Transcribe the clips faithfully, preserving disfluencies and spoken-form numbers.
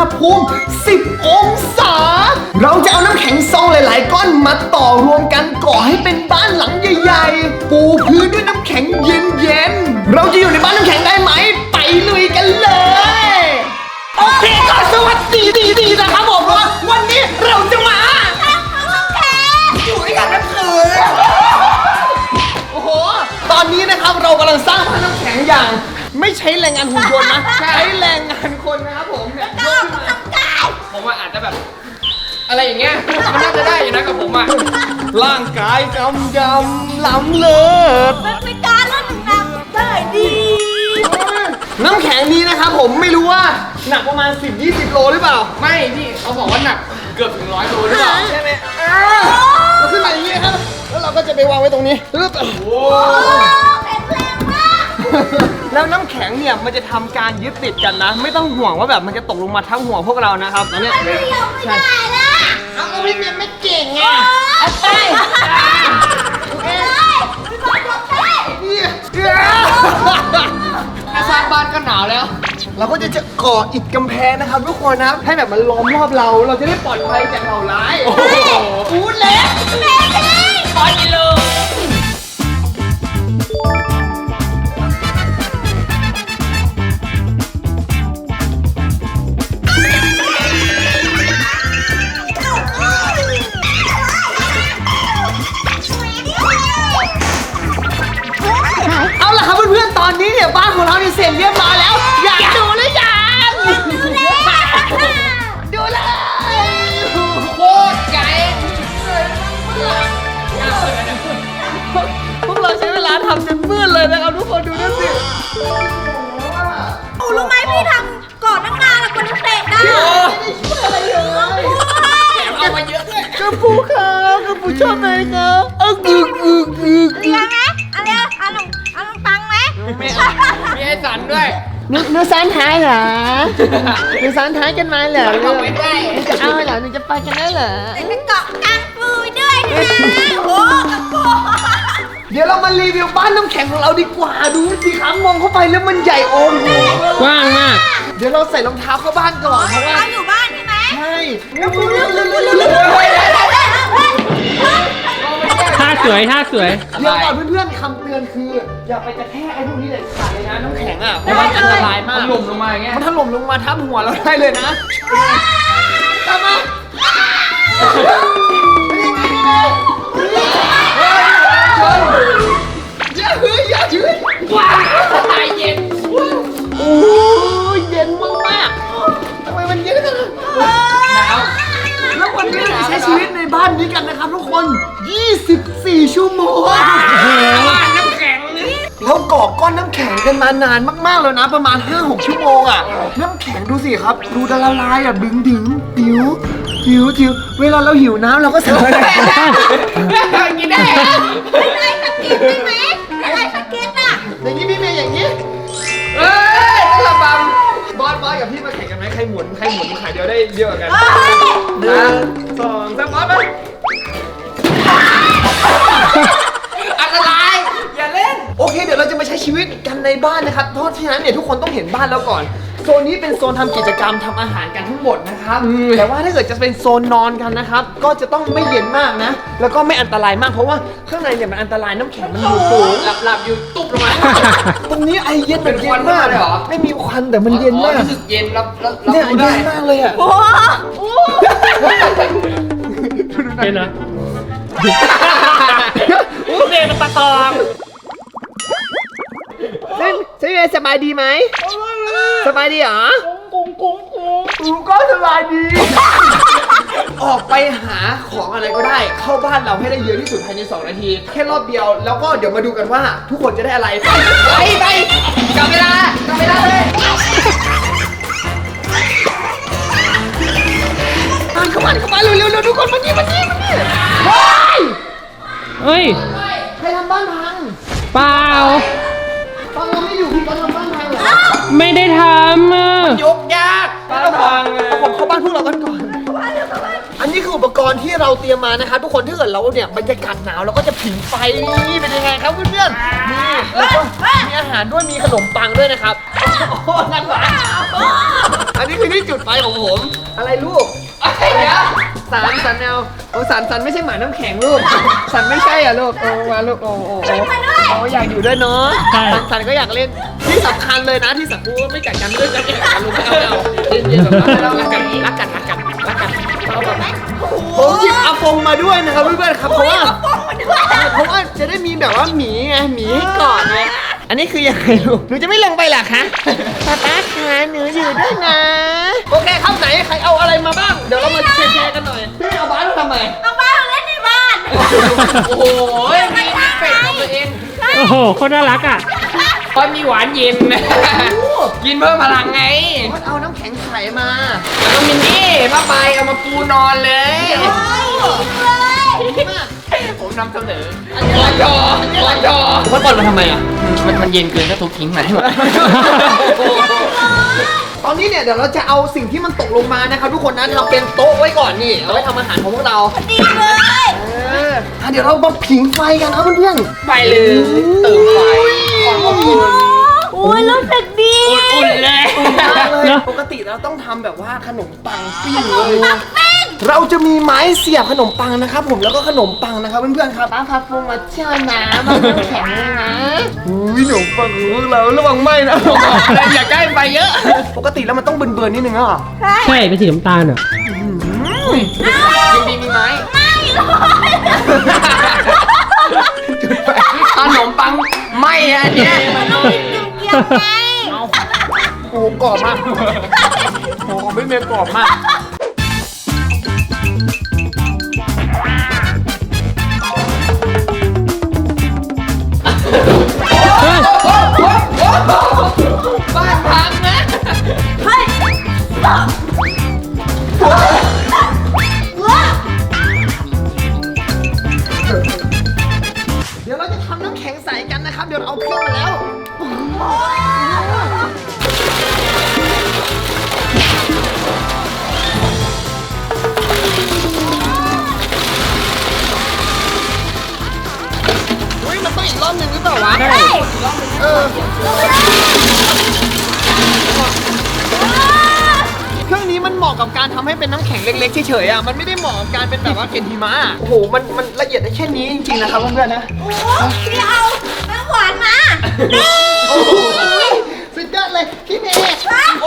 ณหภูมิสิบองศาเราจะเอาน้ำแข็งซองหลายๆก้อนมาต่อรวมกันก่อให้เป็นบ้านหลังใหญ่ๆปูพื้นด้วยน้ำแข็งเย็นๆเราจะอยู่ในบ้านน้ำแข็งได้ไหมไปลุยกันเลยโอเคก็สวัสดีดีดีนะครับผมว่าวันนี้เราจะมาอยู่ด้วยกันทั้งคืนโอ้โหตอนนี้นะครับเรากำลังสร้างบ้านน้ำแข็งอย่างไม่ใช้แรงงานหุ่นยนต์นะใช้แรงงานคนนะครับผมเนี่ยยกขึ้นมาผมว่าอาจจะแบบอะไรอย่างเงี้ยมันน่าจะได้อยู่นะกับผมอ่ะร่างกายกำยำล้ำเลิศมันเป็นการลดน้ำหนักได้ดีน้ำแข็งนี้นะครับผมไม่รู้ว่าหนักประมาณ สิบถึงยี่สิบ โลหรือเปล่าไม่พี่เขาบอกว่าหนักเกือบถึงร้อยโลหรือเปล่าใช่ไหมอ่าเราขึ้นมาอย่างนี้ครับแล้วเราก็จะไปวางไว้ตรงนี้ปึ๊บโอ้แข็งแรงมากแล้วน้ำแข็งเนี่ยมันจะทำการยึดติดกันนะ ไม่ต้องห่วงว่าแบบมันจะตกลงมาทั้งหัวพวกเรานะครับตอนนี้ไม่ยอมไม่ได้ละเอาก็พี่เมียไม่เก่งไงเอาไปเอ้ยพี่บอลยกได้แค่สร้างบ้านก็หนาวแล้วเราก็จะจะก่ออิฐกำแพงนะครับทุกคนนะครับให้แบบมันล้อมรอบเราเราจะได้ปลอดภัยจากเหล่าร้ายโอ้โหพูดแล้วแม่ได้ร้อยกิโลเอาล่ะครับเพื่อนๆตอนนี้เนี่ยบ้านของเราเนี่ยเสร็จเรียบร้อยแล้ว อยากดูหรือยังดูเลยโคตรไกลพวกเราใช้เวลาทำจนมืดเลยนะครับทุกคนดูนั่นสิโอ้รู้ไหมพี่ทำก่อนตั้งนานแล้วกว่าจะเสร็จได้อะไรเลยแถมเอามาเยอะด้วยกระปูครับกระปูชอบไหมครับอึกอึกอึกอึกเรียนไหมเอาเร็วเอาลงเอาลงตังไหมไม่เอามีไอ้สันด้วยนึกนึกซ้อนท้ายเหรอนึกซ้อนท้ายกันมาเหรอเอาไปได้จะเอาเหรอนึกจะไปกันได้เหรอแต่ไปเกาะกลางปูด้วยนะโอ้กระปูเดี๋ยวเรามารีวิวบ้านน้ำแข็งของเราดีกว่าดูสิครับมองเข้าไปแล้วมันใหญ่โอ้โหกว้างมากเดี๋ยวเราใส่รองเท้าเข้าบ้านก่อนเพราะว่าเราอยู่บ้านใช่ไหมใช่ท่าสวย ท่าสวยเดี๋ยวก่อนเพื่อนๆคำเตือนคืออย่าไปกระแทกไอ้พวกนี้เลยขาดเลยนะน้ำแข็งอ่ะเพราะว่าอันตรายมากมันหล่มลงมาอย่างเงี้ยมันถล่มลงมาทับหัวเราได้เลยนะตามมาอย่าเฮ้ยอย่าเฮ้ยว้าวตายเย็นโอ้ยเย็นมากๆทำไมมันเย็นขนาดนั้นหนาวแล้ววันนี้เราจะใช้ชีวิตในบ้านนี้กันนะครับทุกคนยี่สิบสี่ชั่วโมงบ้านน้ำแข็งนี่เราก่อก้อนน้ำแข็งกันมานานมากๆแล้วนะประมาณ ห้าหก ชั่วโมงอ่ะน้ำแข็งดูสิครับดูดละลายอ่ะดึงดึงหิวหิวหิวเวลาเราหิวน้ำเราก็สามารถกินได้เหรออะไรสกิดได้ไหมอะไรสกิดอ่ะอย่างนี้พี่เมย์อย่างนี้เอ้ยระบำบอสบอสกับพี่มาแข่งกันไหมใครหมุนใครหมุนขาเดียวได้เยอะกว่ากันเฮ้ยหนึ่งสองสามบอสไปอันตรายอย่าเล่นโอเคเดี๋ยวเราจะมาใช้ชีวิตกันในบ้านนะครับเพราะฉะนั้นเนี่ยทุกคนต้องเห็นบ้านแล้วก่อนโซนนี้เป็นโซนทำกิจกรรมทำอาหารกันทั้งหมดนะครับแต่ว่าถ้าเกิดจะเป็นโซนนอนกันนะครับก็จะต้องไม่เย็นมากนะ แล้วก็ไม่อันตรายมากเพราะว่าข้างในเนี่ยมันอันตรายน้ำแข็งมันอยู่สูงหลับหลับๆอยู่ตุ๊บลงมาตรงนี้ไอเย็นแบบเป็นเย็ควันนมากเลยเหรอไม่มีควันแต่มันเย็นอ๋อมากรู้สึกเย็นรับรับรับเนี่ยรู้เย็ได้นมากเลยอ่ะโอ้โหเป็นนะเรียนปลาตองซึ่งใช่ไหมสบายดีไหมสบายดีเหรอกุ้งกุ้งกุ้งกูก็สบายดี ออกไปหาของอะไรก็ได้ เข้าบ้านเราให้ได้เยอะที่สุดภายในสองนาที แค่รอบเดียว แล้วก็เดี๋ยวมาดูกันว่า ทุกคนจะได้อะไรไปไปกลับเวลากลับเวลาเลยมันเข้ามาเข้ามาเร็วเร็วเร็วทุกคนมานี่มานี่มานี่เฮ้ยเฮ้ยใครทำบ้านพังเปล่าตอนเราไม่อยู่พี่ก็ทำบ้านพังเหรอไม่ได้ทำอ่ะยกยากบ้านพังเลยเอาผมเข้าบ้านพวกเรากันก่อน อันนี้คืออุปกรณ์ที่เราเตรียมมานะครับทุกคนถ้าเกิดเราเนี่ยบรรยากาศหนาวเราก็จะผิงไฟนี่เป็นยังไงครับเพื่อนๆนี่แล้วก็มีอาหารด้วยมีขนมปังด้วยนะครับโอ้โหนั่นหวานไออันนี้คือที่จุดไฟของผม อะไรลูกเดี๋ยวสันสันแนวโอ้สันสันไม่ใช่หมาน้ำแข็งลูก สันไม่ใช่อ่ะลูก โอ้มาลูก โอ้โอ้โอ้โอ้อยากอยู่ด้วยเนาะใช่สันสันก็อยากเล่น ที่สำคัญเลยนะที่สำคัญไม่กัดกันด้วยกันเองลูกไม่เอาไม่เอาเย็นๆแบบนั้นเรารักกันรักกันรักกันรักกันเอาแบบผมหยิบอาฟงมาด้วยนะครับเพื่อนๆครับเพราะว่า เพราะว่าจะได้มีแบบว่าหมีไงหมีให้กอดไงอันนี้คือยังไงลูกหนูจะไม่ลงไปเหรอคะป๊าป๊าคะหนูอยู่ด้วยนะโอเคครับไหนใครเอาอะไรมาบ้างเดี๋ยวเรามาแชร์ๆกันหน่อยพี่เอาบ้านมาทำไมเอาบ้านมาเล่นในบ้านโอ้โหมีเป็ดของตัวเองโอ้โหโคตรน่ารักอ่ะเพราะมีหวานเย็น กินเพิ่มพลังไงมันเอาน้ำแข็งใสมาแล้วก็มินนี่ผ้าใบเอามาปูนอนเลย ผมนำเสนอคอนดอคอนดอเขาตอนมาทำไมอ่ะ มันมันเย็นเกินก็ทุบทิ้งไหมวะตอนนี้เนี่ยเดี๋ยวเราจะเอาสิ่งที่มันตกลงมานะครับทุกคนนะเราเป็นโต๊ะไว้ก่อนนี่เอาไว้ทำอาหารของพวกเราดีเลยเอออ่ะเดี๋ยวเรามาผิงไฟกันนะเพื่อนไปเลยเติมไฟความอบอุ่นโอ้ยรู้สึกดีอุ่นเลยๆมากเลยเนอะปกติเราต้องทำแบบว่าขนมปังปิ้งเลย เราจะมีไม้เสียบขนมปังนะครับผมแล้วก็ขนมปังนะครับเพื่อนๆครับป้าพับฟงมาเชื่อน้ำมันน้ำแข็งเลยนะอุ้ยขนมปังของพวกเราระวังไหมนะอย่าใกล้ไปเยอะปกติแล้วมันต้องเบิร์นๆนิดนึงอ่ะใช่เป็นสีน้ำตาลอ่ะจริงๆมีไหมจุดไฟขนมปังไหมอันเนี้ยเกี่ยวไงโอ้โหกรอบมากโอ้โหไม่เมย์กรอบมากเฮ้ยบ้านพังนะเฮ้ยว้าเดี๋ยวเราจะทำน้ำแข็งใสกันนะครับ เดี๋ยวเราเอาเครื่องมาแล้ว เฮ้ย มันต้องอีกรอบหนึ่งหรือเปล่าวะใช่เออ เครื่องนี้มันเหมาะกับการทำให้เป็นน้ำแข็งเล็กๆเฉยๆอ่ะ มันไม่ได้เหมาะกับการเป็นแบบว่าเกล็ดหิมะอะโอ้โห มันมันละเอียดได้แค่นี้จริงๆนะครับเพื่อนๆนะโอ้พี่เอาน้ำหวานมาโอ้โหสุดยอดเลยพี่เมย์โอ้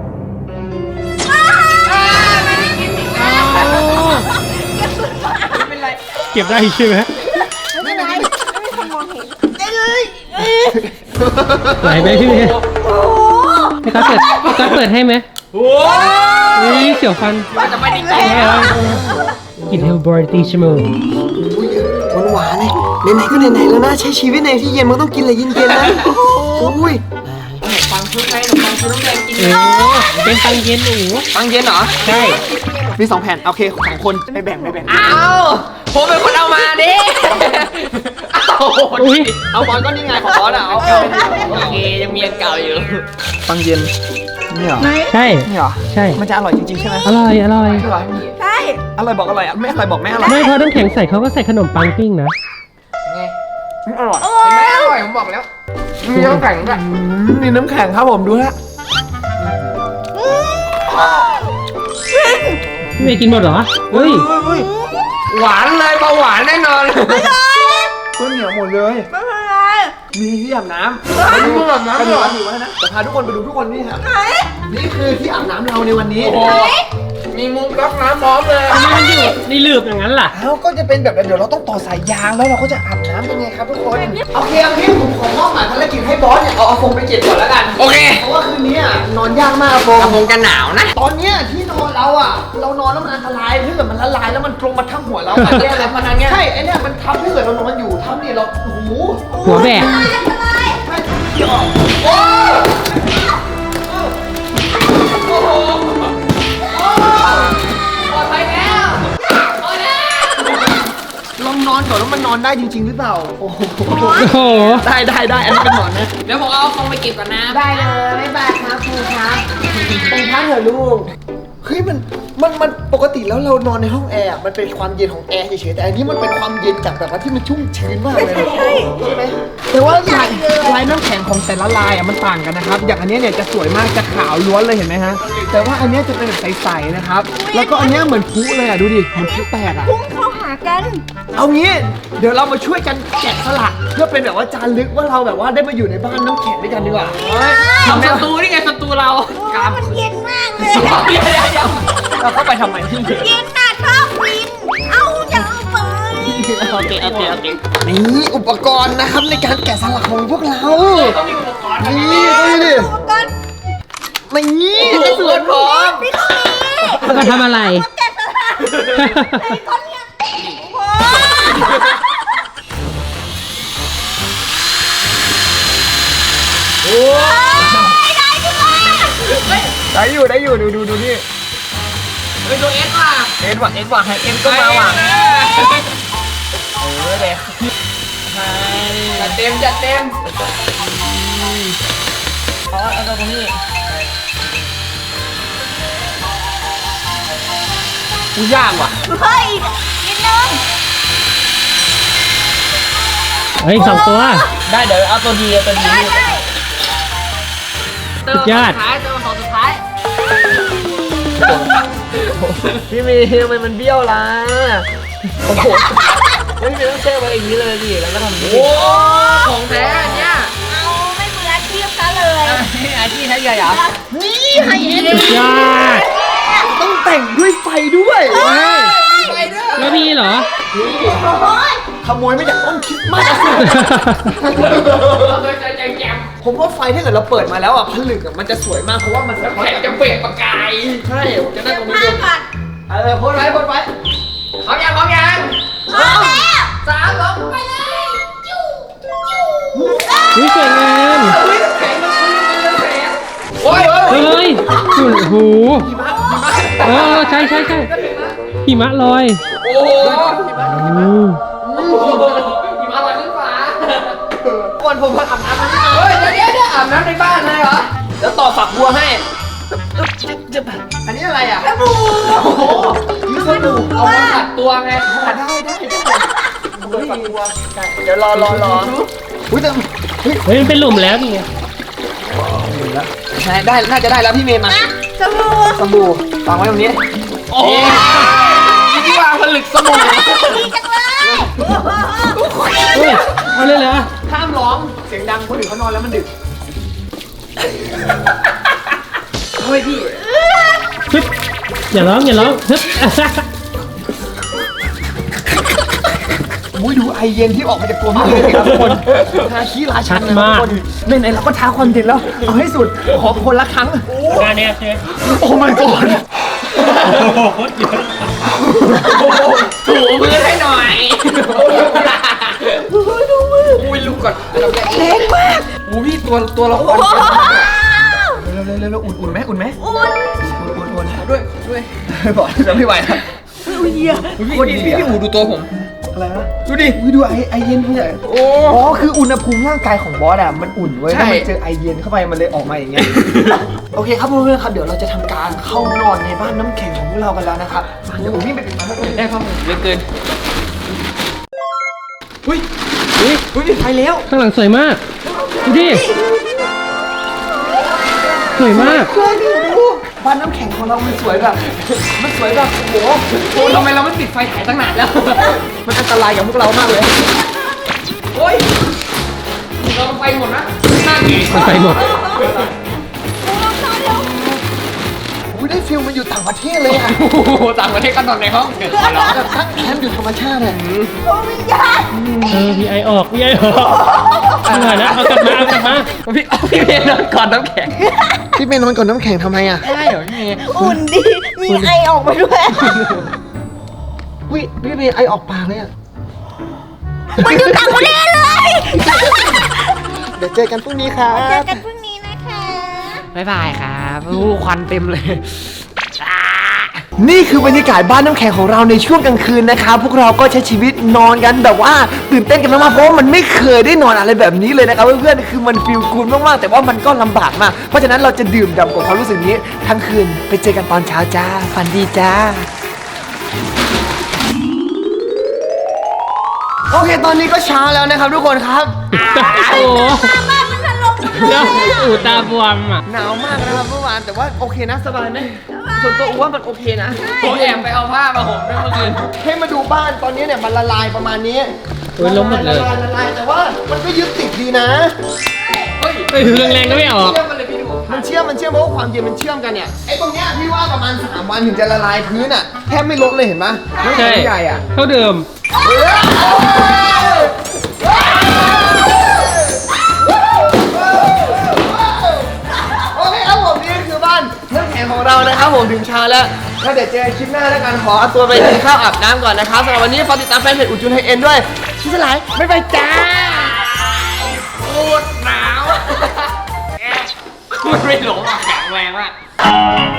ไม่เป็นไรเก็บได้ใช่ไหมไม่เป็นไรไม่มีคนมองเห็นได้เลยไหลไหมพี่เมย์โอ้ให้เขาเปิดเขาเปิดให้ไหมโอ้นี่เสียวฟันยจะไปดิไม่เอากินเฮลบอร์ตีชมูหวานหวานๆเลยไหนๆก็ไหนๆแล้วนะใช้ชีวิตในที่เย็นมันต้องกินอะไรเย็นๆนะโอ้ยปังชุดไงขนมปังชุดน้ำแดงกินเออเป็นตังเย็นหนูปังเย็นเหรอใช่มีสองแผ่นโอเคสองคนไปแบ่งไปแบ่งอ้าวผมเป็นคนเอามาดิอ้าวอุ้ยเอาบอลก็นี่ไงของบอลอ่ะเอาโอเคยังมีอันเก่าอยู่ปังเย็นนี่เหรอใช่นี่เหรอใช่มันจะอร่อยจริงๆใช่ไหมอร่อยอร่อยอร่อยใช่อร่อยบอกอร่อยอ่ะไม่อร่อยบอกไม่อร่อยไม่เพราะน้ำแข็งใส่เขาก็ใส่ขนมปังปิ้งนะไงไม่อร่อยเห็นไหมอร่อยผมบอกแล้วมีน้ำแข็งด้วยอืมมีน้ำแข็งครับผมดูฮะพี่เมย์กินหมดเหรอเฮ้ยเฮ้ยหวานเลยเบาหวานแน่นอนเฮ้ยเหนียวหมดเลยไม่เป็นไรมีที่อาบน้ำมีที่อาบน้ำกระเหรโดอดอยู่ไว้นะจะพาทุกคนไปดูทุกคนนี่ครับไหนนี่คือที่อาบน้ำเราในวันนี้โอ้โหมีมุมก๊อกน้ำพร้อมเลยทำไมมันอยู่ในหลืบอย่างนั้นล่ะเอ้าก็จะเป็นแบบเดี๋ยวเราต้องต่อสายยางแล้วเราก็จะอาบน้ำเป็นไงครับทุกคนโอเคโอเคผมขอมอบหมายภารกิจให้บอสเนี่ยเอาอาฟงไปเก็บก่อนแล้วกันโอเคเพราะว่าคืนนี้อ่ะนอนยากมากอาฟงกระพงกันหนาวนะตอนเนี้ยที่นอนเราอ่ะ เรานอนแล้วมันอันตรายถ้าเกิดมันละลายแล้วมันตรงมาทับหัวเราแย่เลยพนันเงี้ยใช่ไอเนี่ยมันทับถ้าเกิดเรานอนอยู่ทับเนี่ยเราโอ้โหหัวแบกอะไรใช่เดี๋ยวโอ้โอ้โหปลอดภัยแล้วพอแล้วลองนอนก่อนแล้วมันนอนได้จริง ๆ หรือเปล่าโอ้โหโอ้โหได้ได้ได้อันนี้เป็นหมอนนะเดี๋ยวผมเอาฟองไปเก็บก่อนนะได้เลยไม่บายครับครูครับเป็นพักเถอะลูกเฮ้ยมันมันมันปกติแล้วเรานอนในห้องแอร์อะมันเป็นความเย็นของแอร์เฉยๆแต่อันนี้มันเป็นความเย็นจากแบบว่าที่มันชุ่มชื้นมากเลยนะใช่ไหมแต่ว่าลายลายน้ำแข็งของแต่ละลายอ่ะมันต่างกันนะครับอย่างอันเนี้ยเนี่ยจะสวยมากจะขาวล้วนเลยเห็นไหมฮะแต่ว่าอันเนี้ยจะเป็นแบบใสๆนะครับแล้วก็อันเนี้ยเหมือนพลุเลยอ่ะดูดิเหมือนพลุแตกอ่ะพุ่งเข้าหากันเอางี้เดี๋ยวเรามาช่วยกันแกะสลักเพื่อเป็นแบบว่าจารึกว่าเราแบบว่าได้มาอยู่ในบ้านน้ำแข็งด้วยกันดีกว่าทำศัตรูนี่ไงศัตรูเราโอ้มันเย็นมากเลยเดี๋ยวเดี๋ยวเดี๋ยวเราเข้าไปทำไมที่เย็นน่ะชอบกิน เอาอย่าเอาไปโอเคโอเคโอเคนี่อุปกรณ์นะครับในการแกะสลักของพวกเราต้องมีอุปกรณ์นี่ดูดิอุปกรณ์ไม่งี้อุปกรณ์พร้อมไม่ต้องมีแล้วก็ทำอะไรแกะสลักไอ้ก้อนเนี่ยโอ้โหโอ้ไม่ได้ดิวะได้อยู่ได้อยู่ดูดูดูนี่เฮ้ยตัวเอสว่ะเอ็นว่ะเอ็นว่ะให้เอ็นก็มาว่ะเออเด็กจัดเต็มจัดเต็มเอาเอาตรงนี้กูยากว่ะเฮ้ยนิดนึงเฮ้ยสองตัวได้เดี๋ยวเอาตัวดีเอาตัวดีได้ได้เติมสุดยอดสุดท้ายเติมของสุดท้ายพี่เมย์ทำไมมันเบี้ยวล่ะโอ้โหไม่มีต้องเชื่อมาอย่างนี้เลยดิแล้วก็ทำนี้โอ้ของแท้เนี่ยเอาไม่มืออาชีพซะเลยอาชีพแท้ใหญ่เหรอนี่ให้เอ็นสุดยอดต้องแต่งด้วยไฟด้วยไปเด้อแล้วมีเหรอโอ้ยขโมยมาจากต้นคริสต์มาสอะสิเราเคยเจอแจงแจมผมว่าไฟถ้าเกิดเราเปิดมาแล้วอ่ะผลึกอ่ะมันจะสวยมากเพราะว่ามันสะท้อนแข็งจะเปลี่ยนประกายใช่ผมจะได้ตรงนี้ผ้าดูก่อนเออโพสไว้โพสไว้พร้อมยังพร้อมยังพอแล้วสามสองไปเลยจิ้วจิ้วนี่สวยงามเฮ้ยแข็งมันมันแข็งโอ้ยเฮ้ยสุดหูเออใช่ใช่ใช่หิมะลอยโอ้โหอืมโอ้โหหิมะลอยขึ้นฟ้าก่อนผมมาอาบน้ำนะเฮ้ยเดี๋ยวเดี๋ยวเดี๋ยวอาบน้ำในบ้านเลยเหรอเดี๋ยวต่อฝักบัวให้อันนี้อะไรอ่ะกระบูโอ้โหนี่สบู่เอามาขัดตัวไงได้ได้ได้ฝักบัวเดี๋ยวรอรอรออุ้ยแต่เฮ้ยเฮ้ยมันเป็นหลุมแล้วนี่ไงใช่ได้น่าจะได้แล้วพี่เมย์มานะกระบูสบู่วางไว้ตรงนี้โอ้โหที่วางผลึกสมุนดีจังเลยเฮ้ยเอาเลยเหรอห้ามร้องเสียงดังคนอื่นเขานอนแล้วมันดึกเฮ้ยพี่ฮึบอย่าร้องอย่าร้องฮึบอุ้ยดูไอเย็นที่ออกมาจากตัวพี่เลยครับทุกคนทาขี้ราชันนะครับทุกคนไหนๆเราก็ท้าความเย็นแล้วเอาให้สุดขอคนละครั้งงานเนี้ยใช่ไหมโอ้ my god ถูมือให้หน่อยอุ้ยลุกก่อนเราแรกเล็กมากอู้พี่ตัวตัวละครว้าวเร็วเร็วเร็วอุ่นๆไหมอุ่นไหมอุ่นอุ่นอุ่นด้วยด้วยบอกจะไม่ไหวแล้วอุ้ยเดียพี่พี่พี่พี่อูดูตัวผมอะไรนะดูดิอุ้ยดูไอไอเย็นพี่ใหญ่โอ้อ๋อคืออุณหภูมิร่างกายของบอสอะมันอุ่นเว้ยใช่ถ้ามันเจอไอเย็นเข้าไปมันเลยออกมาอย่างเงี้ย โอเคครับเพื่อนๆครับเดี๋ยวเราจะทำการเข้านอนในบ้านน้ำแข็งของพวกเรากันแล้วนะครับเดี๋ยวผมวิ่งไปปิดมันแล้วกันได้ครับเหลือเกินอุ้ยอุ้ยอุ้ยมีไฟแล้วข้างหลังสวยมาก ดูดิ สวยมากเพื่อนดูบ้านน้ำแข็งของเรามันสวยแบบ มันสวยแบบโอ้โหโอ้ทำไมเราไม่ติดไฟถ่ายตั้งนานแล้วมันอันตรายกับพวกเรามากเลยโอ้ยเราไฟหมดนะน่าเกลียดมันไปหมดอุ้ยได้ฟิลมันอยู่ต่างประเทศเลยอะโอ้โหต่างประเทศกันนอนในห้องเกิดอะไรแบบตั้งแคมป์อยู่ธรรมชาติอะโอ้วิญญาณเออมีไอออกมีไอออกเหนื่อยนะเอากลับมาเอากลับมาพี่เอาพี่เมย์นอนก่อนน้ำแข็งพี่เป็นนอนก่อนน้ำแข็งทำไมอะได้เหรอพี่เมย์อุ่นดี มีไอออกมาด้วยอุ้ยพี่เป็นไอออกปากเลยอะมันอยู่ต่างประเทศเลยเดี๋ยวเจอกันพรุ่งนี้ครับเจอกันพรุ่งนี้นะคะบ๊ายบายครับโอ้ควันเต็มเลยนี่คือบรรยากาศบ้านน้ำแข็งของเราในช่วงกลางคืนนะครับพวกเราก็ใช้ชีวิตนอนกันแบบว่าตื่นเต้นกันมากๆเพราะว่ามันไม่เคยได้นอนอะไรแบบนี้เลยนะครับเพื่อนๆคือมันฟีลกูลมากๆแต่ว่ามันก็ลำบากมากเพราะฉะนั้นเราจะดื่มด่ำกับความรู้สึกนี้ทั้งคืนไปเจอกันตอนเช้าจ้าฝันดีจ้าโอเคตอนนี้ก็เช้าแล้วนะครับทุกคนครับโอ้โหบ้านมันถล่มเดี๋ยวอูตาบวมอ่ะหนาวมากนะครับเมื่อวานแต่ว่าโอเคนะสบายไหมส่วนตัวอ้วนมันโอเคนะผมแอบไปเอาผ้ามาห่มด้วยเมื่อคืนให้มาดูบ้านตอนนี้เนี่ยมันละลายประมาณนี้โอ้ยล้มหมดเลยละลายละลายแต่ว่ามันก็ยึดติดดีนะเฮ้ยไปถึงแรงๆก็ไม่ออกเชื่อมันเลยพี่ดูมันเชื่อมมันเชื่อมเพราะว่าความเย็นมันเชื่อมกันเนี่ยไอ้ตรงเนี้ยพี่ว่าประมาณสามวันถึงจะละลายพื้นอ่ะแทบไม่ลดเลยเห็นไหมน้ำใช่แข็งใหญ่อ่ะเท่าเดิมโอเคครับผมนี่คือบ้านน้ำแข็งของเรานะครับผมถึงเช้าแล้วแล้วเดี๋ยวเจอคลิปหน้าแล้วกันขอตัวไปกินข้าวอาบน้ำก่อนนะครับสำหรับวันนี้ฝากติดตามแฟนเพจอุจุนไฮเอ็นด้วยชิสลายบ๊ายบายจ้าโคตรหนาวมันไม่หลงอ่ะแข็งแรงมาก